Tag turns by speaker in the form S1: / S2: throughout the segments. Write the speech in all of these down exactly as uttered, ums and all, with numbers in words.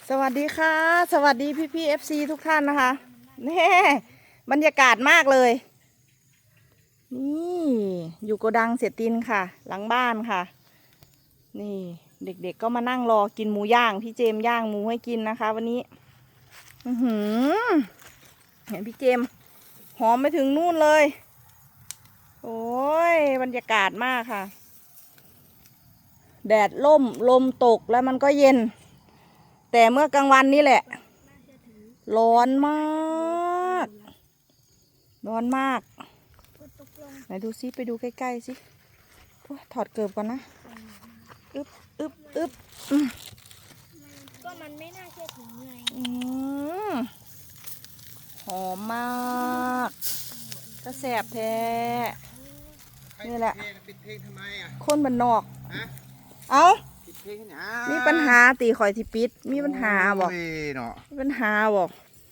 S1: สวัสดีค่ะสวัสดีพี่พี่เอฟซีทุกท่านนะคะนี่บรรยากาศมากเลยนี่อยู่โกดังเสียตินค่ะหลังบ้านค่ะนี่เด็กๆก็มานั่งรอกินหมูย่างพี่เจมย่างหมูให้กินนะคะวันนี้อือหือเห็นพี่เจมหอมไปถึงนู่นเลยโอ้ยบรรยากาศมากค่ะแดดล่มลมตกแล้วมันก็เย็นแต่เมื่อกลางวันนี่แหละร้อนมากร้อนมากไหนดูซิไปดูใกล้ๆสิถอดเกลือก่อนนะอึบอึบอึบ
S2: ก็มันไม่น่าเชื่อถือไง
S1: หอมมากก็แสบแท้นี่แหละคนบ้านนอกเอามีปัญหาตีข่อยที่ปิดมีปัญหาบอกมีปัญหาบอก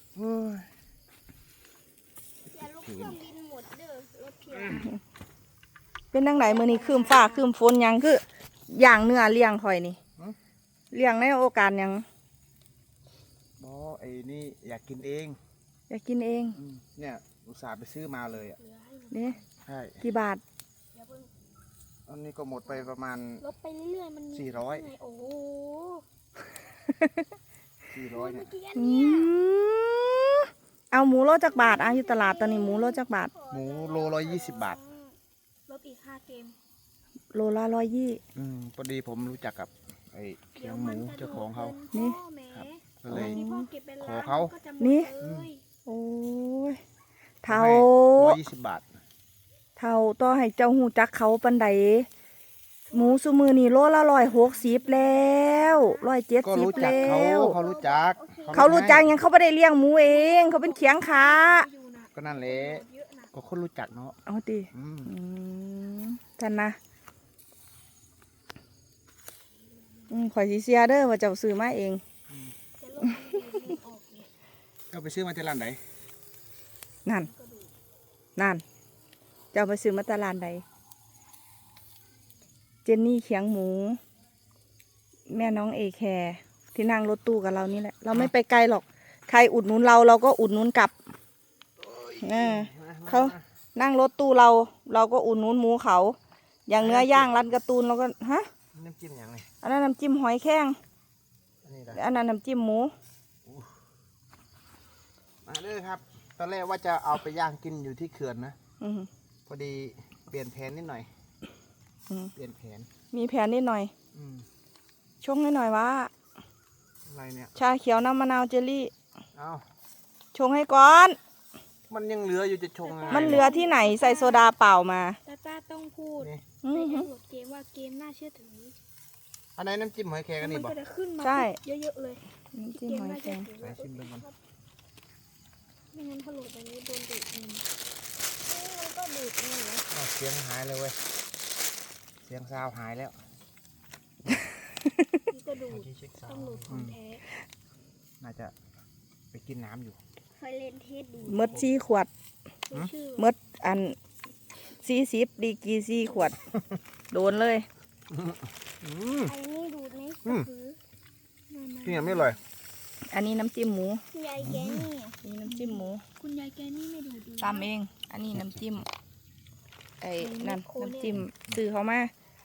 S1: เป็นดังไหนมือนี้คืมฟ้าคืมฝนยังคืออย่างเนื้อเลี้ยงข่อยนี่เลี้ยงในโอกาสยัง
S3: บอไอ้นี่อยากกินเอง
S1: อยากกินเอง
S3: เนี่ยอุตส่าห์ไปซื้อมาเลยอ่ะ
S1: นี่
S3: ใช่
S1: กี่บาท
S3: อันนี้ก็หมดไปประมาณ
S2: ลดไปเรื่อยๆมัน
S3: สี่ร้อย
S2: โอ้โห
S3: สี่ร้อยเนี่ย
S1: เอาหมูโลจากบาทอ่ะอยู่ตลาดตอนนี้หมูโลจากบาท
S3: หมูโลร้อยยี่สิบบาท
S2: ลดอีกห้าเกม
S1: โลละร้อยยี่
S3: อืมพอดีผมรู้จักกับไอ้เคียงหมูเจ้าของเขา
S1: นี่
S3: ครับก็เลยขอเขา
S1: นี่โอ้ยเท่า
S3: ร้อยยี่สิบบาท
S1: เท่าต่อให้เจ้าหูจักเขาปันใดหมูซูมือนี่โลละร้อยหกสิบแล้วร้อยเจ็ดสิบแล้ว
S3: เขารู้จัก
S1: เขารู้จักยังเขาไม่ได้เลี้ยงหมูเองเขาเป็นเขียงขา
S3: ก็นั่นแหละก็คนรู้จักเนาะ
S1: เอาดิท่านนะข่อยซีเซียเด้อว่าเจ้าซื้อมาเอง
S3: เจ้าไปซื้อมาที่ร้านไหน
S1: นั่นนั่นเจ้าไปซื้อมาตลาดใดเจนนี่เขียงหมูแม่น้องเอแคร์ที่นั่งรถตู้กับเรานี่แหละเราไม่ไปไกลหรอกใครอุดหนุนเราเราก็อุดหนุนกลับเขานั่งรถตู้เราเราก็อุดหนุนหมูเขาอย่างเนื้อย่างร้านการ์ตูนเราก็ฮะ
S3: น้ำจิ้มอย่างไร
S1: อันนั้นน้ำจิ้มหอยแข้งอันนั้นน้ำจิ้มหมู
S3: มาเลยครับตอนแรกว่าจะเอาไปย่างกินอยู่ที่เขื่อนนะพอดีเปลี่ยนแผนนิดหน่อยเปลี่ยนแผน
S1: มีแผนนิดหน่อยชงให้หน่อยว่า
S3: อะไรเนี่ย
S1: ชาเขียวน้ำมะนาวเจลลี่
S3: เอา
S1: ชงให้ก่อน
S3: มันยังเหลืออยู่จะชง
S1: มันเหลือที่ไหนใส่โซดาเปล่ามา
S2: ตาตาต้องพูดในทั้งหมดเกมว่าเกมน่าเชื่อถือ
S3: อันไหนน้ำจิ้มหอยแครงกันนี่บอก
S1: ใช่
S2: เยอะๆเลย
S1: น้ำจิ้มหอยแครง
S3: ใส่ชิมเลยมัน
S2: ไม่งั้นถ้าโหลดไปนี้โดนดูดเงินมันก็ดูดเงินเหรอ
S3: เสียงหายเลยเว้ยเสียงซาวหายแล้ว
S2: นี่ก็ดูดต้องดูดของแท้
S3: น่าจะไปกินน้ำอยู่
S2: ไฟเลนเทสดู
S1: มดซีขวดมดอันซีซิบดีกีซีขวดโดนเลย
S2: อันนี้ดูดไหม
S3: ที่ยังไม่เลย
S1: อันนี้น้ำจิ้มหมู
S2: คุณยายแกนี่
S1: นี่น้ำจิ้มหมู
S2: คุณยายแกนี่ไม่ดูด
S1: ตามเองอันนี้น้ำจิ้มไอ้นั่นน้ำจิ้มซื้อเขามา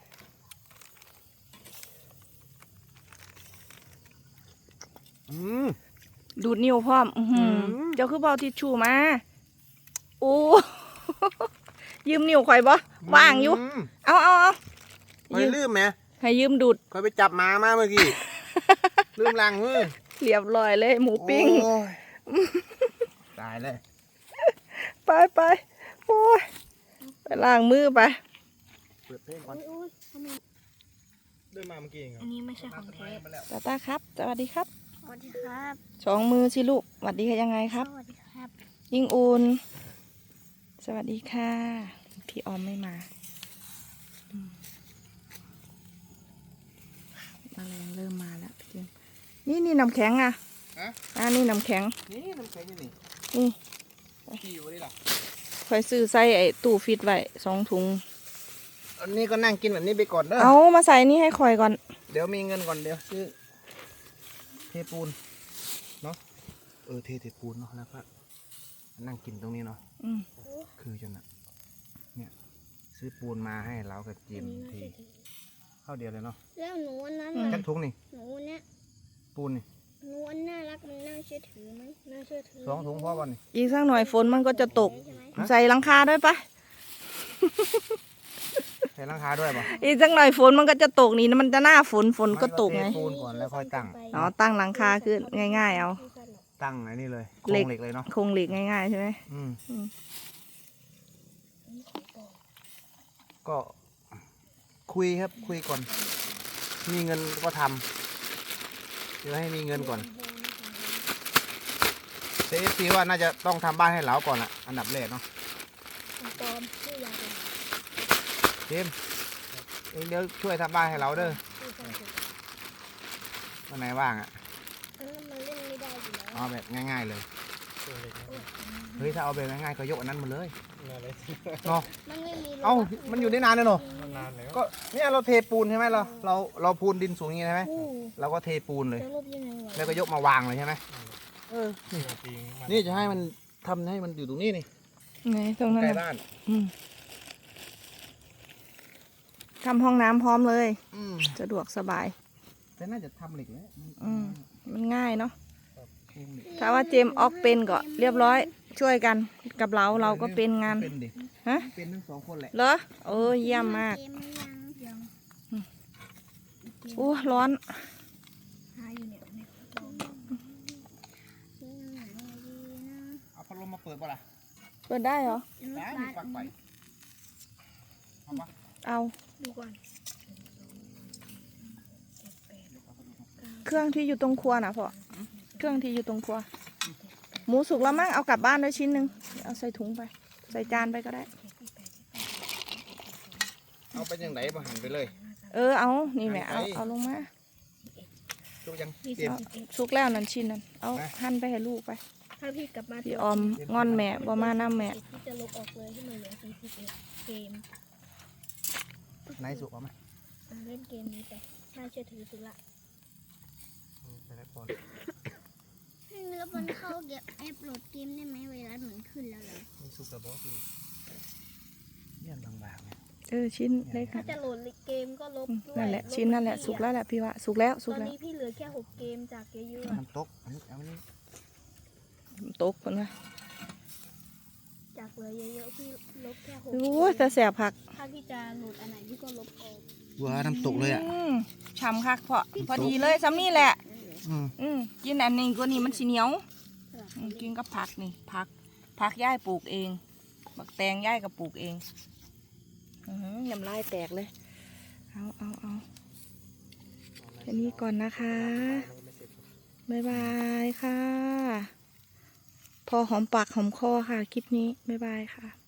S1: ดูดนิ้วพร้อมเจ้าคือเบาทิชชู่มาโอ้ยืมนิ้วข่อยบ่ว่างอยู่เอาเอาเอา
S3: ยืมลืมไหม
S1: ให้ยืมดูด
S3: ข่อยไปจับหมามาเมื่อกี้ลืมล้างมือ
S1: เรียบร้อยเลยหมูปิ้ง
S3: ตายเลย
S1: ไปไปโอ้ยไปล้างมือไป
S3: เปิดเพลงก่อนเดินมาเมื่อกี้เอง
S2: อันนี้ไม่ใช่ของแท้
S1: ตาตาครับสวัสดีครับ
S2: สวัสดีครับ
S1: สองมือสิลูกสวัสดีค่ะยังไงครับ
S2: สวัสดีครับ
S1: ยิ่งอุ่นสวัสดีค่ะพี่ออมไม่มาแมลงเริ่มมาแล้วพี่นี่นี่น้ำแข็งอ่ะอ่านี่น้ำแข็ง
S3: นี่น้ำแข็งนี่
S1: นี่
S3: ที่อยู่นี่หรอ
S1: คอยซื้อใส่ไอ้ตู้ฟิตไว้สองถุง
S3: อันนี้ก็นั่งกินแบบนี้ไปก่อนเด้อ
S1: เอามาใส่นี่ให้คอยก่อน
S3: เดี๋ยวมีเงินก่อนเดี๋ยวซื้อเทปูนเนาะเออเทเทปูนเนาะแล้วก็นั่งกินตรงนี้เนาะ
S1: อืม
S3: คือจนอะเนี่ยซื้อปูนมาให้เรากับจิมทีเข้าเดียวเลยเนาะ
S2: แล้วหนูอันนั้น
S3: จั
S2: ล่ะ
S3: กทุงนี่
S2: หนูเนี่ย
S3: ปูนนี่
S2: หนูอันน่ารักมันน่าเชื่อถือไหมน่าเชื่อถือ
S3: สองถุงพอวันนี่
S1: อีกสักหน่อยฝนมันก็จะตก
S2: ใช่ไหม
S3: ฮะ
S1: ใส่หลังคาด้วยปะ
S3: ใส่หลังคาด้วยป่ะ
S1: อีกสักหน่อยฝนมันก็จะตกนี่นะมันจะหน้าฝนฝนก็ตกไง
S3: เทปูนก่อนแล้วค่อยตั้ง
S1: อ๋อตั้งหลังคาคือง่ายๆเอา
S3: ตั้งไอ้นี่เลยโคร
S1: เหล็
S3: ง
S1: ก
S3: เหล็กเลยเนาะ
S1: โครงเหล็กง่ายๆใช่ไหม
S3: อืม
S1: อืม
S3: ก็คุยครับคุยก่อน มีเงินก็ทำเดี๋ยวให้มีเงินก่อนเซฟซีว่าน่าจะต้องทำบ้านให้เหลาก่อนอะอันดับแรกเนาะ
S2: ปลอมชื่อยาเป็น
S3: เจมส์เองเดี๋ยวช่วยทำบ้านให้เราเด้อ
S2: ชื่อสันติ
S3: วันไหนว่างอะ
S2: อันนั้นมันเล่นไม่ได้อยู่แล้ว
S3: เอาแบบง่ายๆเลย เฮ้ยถ้าเอาแบบง่ายๆก็ยกอันนั้นมาเลยเนาะ
S2: มันไม่มี
S3: เอ้ามันอยู่ได้นานเลยเนาะ
S4: นานแล้ว
S3: ก็เนี่ยเราเทปูนใช่ไหมเราเราเราพูนดินสูงอย่างนี้ใช่ไหม
S2: อู้
S3: เราก็เทปูนเลย
S2: จะรูปยังไงวะ
S3: แล้วก็ยกมาวางเลยใช่ไหมเออ
S4: ปี
S3: นี่จะให้มันทำให้มันอยู่ตรงนี้นี่
S1: ไหนตรงนั้น
S3: ใกล้
S1: น่ะ
S3: บ้าน
S1: อืมทำห้องน้ำพร้อมเลย
S3: อืม
S1: สะดวกสบาย
S3: แต่น่าจะทำเหล็กแล้ว
S1: อืม มันง่ายเนาะ
S3: โครงเหล็ก
S1: ถ้าว่าเจมส์ออกเป็นก็เรียบร้อย ช่วยกันกับเราเราก็เป็นงาน
S3: เป็นเด็ก
S1: ฮะ
S3: เป็นทั้งสองคนแหละ
S1: เหรอเออเยี่ยมมาก
S2: เกมมันยังยัง
S1: อู้ร้อน
S2: หาอยู่เนี่ยในกระเป๋าเกมไหนดีนะ
S3: เอาพัดลมมาเปิดป่ะล่ะ
S1: เปิดได้เหรอ
S3: ได้มีปลั๊กไฟเอาปะ
S1: เอา
S2: ดูก่อน
S1: เครื่องที่อยู่ตรงครัวนะพ่อเครื่องที่อยู่ตรงครัว หมูสุกแล้วมั้งเอากลับบ้านด้วยชิ้นหนึ่งเอาใส่ถุงไป ใส่จานไปก็ได้
S3: เอาไปยังไหนมาหันไปเลย
S1: เออเอานี่แหม่เอาเอาลงมา
S3: ดูยัง
S2: ยี่
S3: เตรียม
S2: สิบเอ็ด
S1: สุกแล้วนั่นชิ้นนั้นเอา
S3: นะ
S1: หั่นไปให้ลูกไป
S2: ถ้าพี่กลับมา
S1: พี่ออมงอนแม่บ่มาน้ำแม่
S2: พี่จะลบออกเลยที่มันเหลือสี่สิบเอ็ดเกม
S3: ไหนสุกเอาไหม
S2: อ่ะเล่นเกมนี้ไปน่าเชื่อถือสุดละ
S3: ไปแล้วก่อน
S2: พี่แล้วมันเข้าเก็บแอปโหลดเกมได้ไหมเวลาเหมือนขึ้นแล้วเหรอ
S3: มีสุกกับบอสอยู่เนี่ยบางๆเนี่ย
S1: เออชิ้นเล็ก
S2: ถ้าจะโหลดเกมก็ลบ
S1: อืม
S2: ด้วย
S1: นั่นแหละ
S2: บ
S1: ชิ้นนั่นแหละ
S2: พี่
S1: สุกแล้วแหละพี่ว่าสุกแล้วสุ
S2: ต
S1: ก
S2: อน
S1: แล้ว
S2: นี้พี่เหลือแค่หกเกมจากเยอะๆอะ
S3: มันตกอันนี้เอาอันนี้
S1: ตกคนนะ
S2: จากเหลือเยอะๆพี่ลบแค่หก
S1: โอ้ยแต่แสบผัก
S2: ถ้าพี่จะโหลดอันไหนพี่ก็ลบออก
S3: ว้าน้ำตกเลยอ่ะ
S1: อืมฉ่ำคักพอพอดีเลยซ้ำนี่แหละ
S3: อืม
S1: อืมกินอันนี้ก็นี่มันสีเหนียว
S2: สลับ
S1: อืมกินกับผักนี่ผักผักย่ายปลูกเองบักแตงย่ายก็ปลูกเองอือหือยำลายแตกเลยเอาเอาเอาแค่นี้ก่อนนะคะบ๊ายบายค่ะ พอหอมปากหอมคอค่ะคลิปนี้บ๊ายบายค่ะ